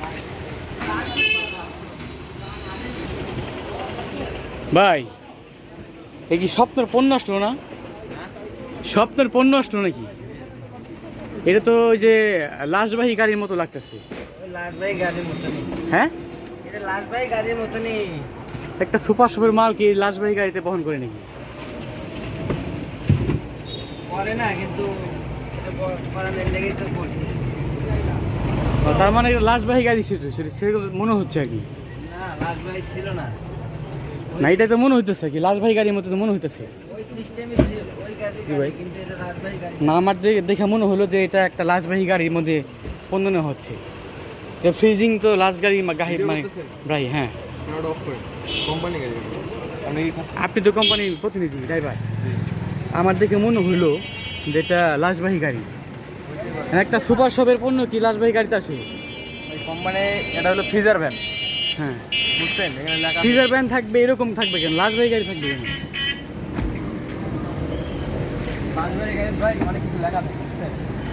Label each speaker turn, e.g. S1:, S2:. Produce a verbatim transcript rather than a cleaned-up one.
S1: ভাই এই কি স্বপ্নের পণ্য আসলো না? স্বপ্নের পণ্য আসলো নাকি? এটা তো ওই যে লাশবাহী গাড়ির মতো লাগতেছে।
S2: লাশবাহী গাড়ির মতো নেই।
S1: হ্যাঁ,
S2: এটা লাশবাহী গাড়ির মতো নেই।
S1: একটা সুপার শপের মাল কি লাশবাহী গাড়িতে বহন করে নাকি?
S2: করে না, কিন্তু এটা করানোর লেগেই তো করছে।
S1: তার মানে এটা লাশবাহী গাড়ি ছিল, সেরকম মনে হচ্ছে আর কি।
S2: না, লাশবাহী ছিল না।
S1: না, এটা তো মনে হইতেছে আর কি, লাশবাহী গাড়ির মতো তো মনে হইতেছে।
S2: ওই সিস্টেমই ছিল, ওই গাড়ি গাড়ি, কিন্তু এটা লাশবাহী গাড়ি।
S1: না, আমার দে- দেখে মনে হলো যে এটা একটা লাশবাহী গাড়ির মধ্যে পণ্য নেওয়া হচ্ছে। তো ফ্রিজিং তো লাশ গাড়ি মা- গাড়ি মানে ভাই। হ্যাঁ,
S3: কোম্পানি গাড়ি।
S1: আপনি তো কোম্পানির প্রতিনিধি ড্রাইভার, আমার দেখে মনে হইলো যে এটা লাশবাহী গাড়ি। একটা সুপার শপের পণ্য কি লাশবাহী গাড়িতে আসে?
S3: ওই কোম্পানি, এটা হলো ফ্রিজার ভ্যান,
S1: হ্যাঁ,
S3: বুঝছেন? এখানে লেখা
S1: ফ্রিজার ভ্যান থাকবে, এরকম থাকবে কেন? লাশবাহী গাড়ি থাকবে কেন?
S2: লাশবাহী গাড়ি ভাই অনেক কিছু লেখা থাকে, বুঝছেন?